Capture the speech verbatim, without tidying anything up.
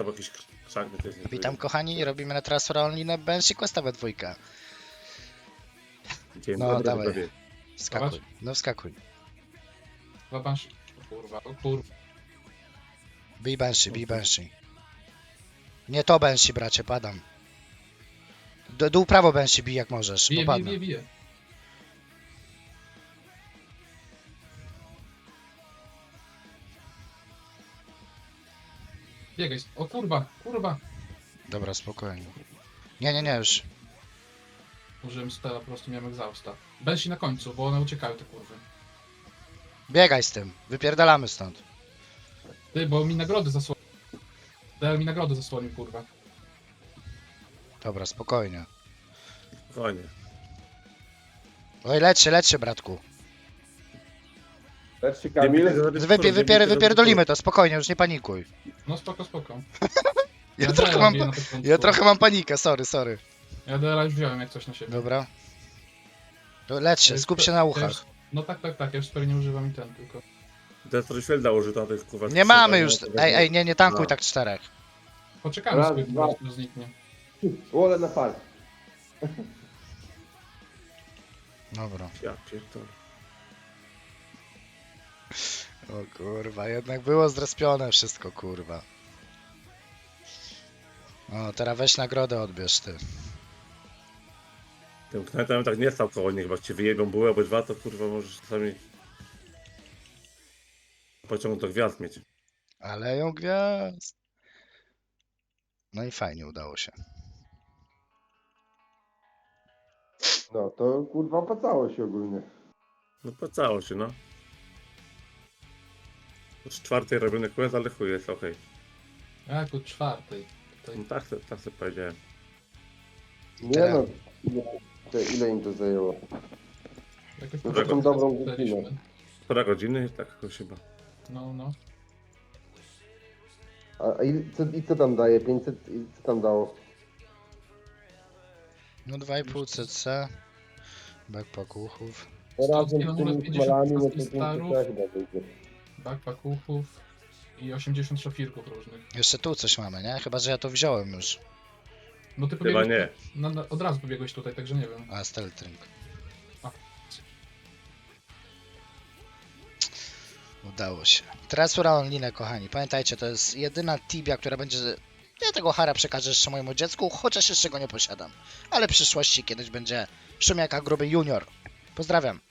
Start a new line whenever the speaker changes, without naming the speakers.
albo jakiś krzak. To jest
Witam kochani, robimy na teraz Onlinę Banshee Questa we dwójkę.
Dzień
No,
dobry,
dawaj.
widzowie.
Wskakuj, no wskakuj.
Zobacz. O kurwa, o kurwa.
Bij Banshee, bij Banshee. Nie to Banshee, bracie, padam. D dół prawo Banshee bij jak możesz,
Bije,
bo
bije,
padnę.
bije, bije. Biegaj. O kurwa, kurwa.
Dobra, spokojnie. Nie, nie, nie, już.
Użyłem spela, po prostu miałem egzausta. Bensi na końcu, bo one uciekały te kurwy.
Biegaj z tym, wypierdalamy stąd.
Ty, bo mi nagrody zasłonił. Dałem mi nagrody zasłonił, kurwa.
Dobra, spokojnie.
Spokojnie.
Oj, lecz się, lecz się, bratku.
Lecz się Kamil.
Wypie, wypier, wypierdolimy to, spokojnie, już nie panikuj.
No spoko, spoko.
Ja,
Ja
trochę
Dela
mam,
biję na początku.
ja trochę mam panikę, sorry, sorry.
Ja Dela już wziąłem jak coś na siebie.
Dobra. To lecz się, skup się na
Ja
uchach.
już- No tak, tak, tak, ja już super nie używam i ten tylko.
Destroy Shielda użyta, to jest kurwa...
Nie mamy
trzy,
już,
tak?
ej, ej, nie, nie tankuj
No.
tak czterech.
Poczekamy
Raz,
sobie,
dwa.
po prostu zniknie.
Wolę na fal.
Dobra.
Ja pierdolę.
O kurwa, jednak było zrespione wszystko, kurwa. O, teraz weź nagrodę odbierz ty.
Tym knetem tak nie stał koło nich, bo jak ci wyjebią bułę albo dwa, to kurwa możesz czasami... pociąg do gwiazd mieć.
Ale ją gwiazd. No i fajnie udało się.
No to kurwa opłacało się ogólnie.
No płacało się, no. Z czwartej robiony quest, ale chuj jest okej.
Jak od czwartej.
No
Tutaj.
tak, se- tak sobie powiedziałem.
Nie
Teraz-
no. Ile, to ile im to zajęło?
Jakoś
No
to
tą dobrą
dostaliśmy.
godzinę.
Półtora godziny, tak jakoś chyba.
No, no.
A, a i, co, i co tam daje? pięćset i co tam dało?
No dwa i pół cc. Backpack uchów.
Razem z
kilometrów,
tymi
pięćdziesiąt
smalami, no to
pięćdziesiąt
pięćset
starów.
chyba wyjdzie.
Backpack uchów i osiemdziesiąt szafirków różnych.
Jeszcze tu coś mamy, nie? Chyba, że ja to wziąłem już.
No ty
Chyba
pobiegłeś,
nie.
Na, na, od razu pobiegłeś tutaj, także nie wiem.
A, Steltring.
A.
Udało się. Tresura Onlinę, kochani. Pamiętajcie, to jest jedyna tibia, która będzie... Ja tego hara przekażę jeszcze mojemu dziecku, chociaż jeszcze go nie posiadam. Ale w przyszłości kiedyś będzie Szumiaka Gruby Junior. Pozdrawiam.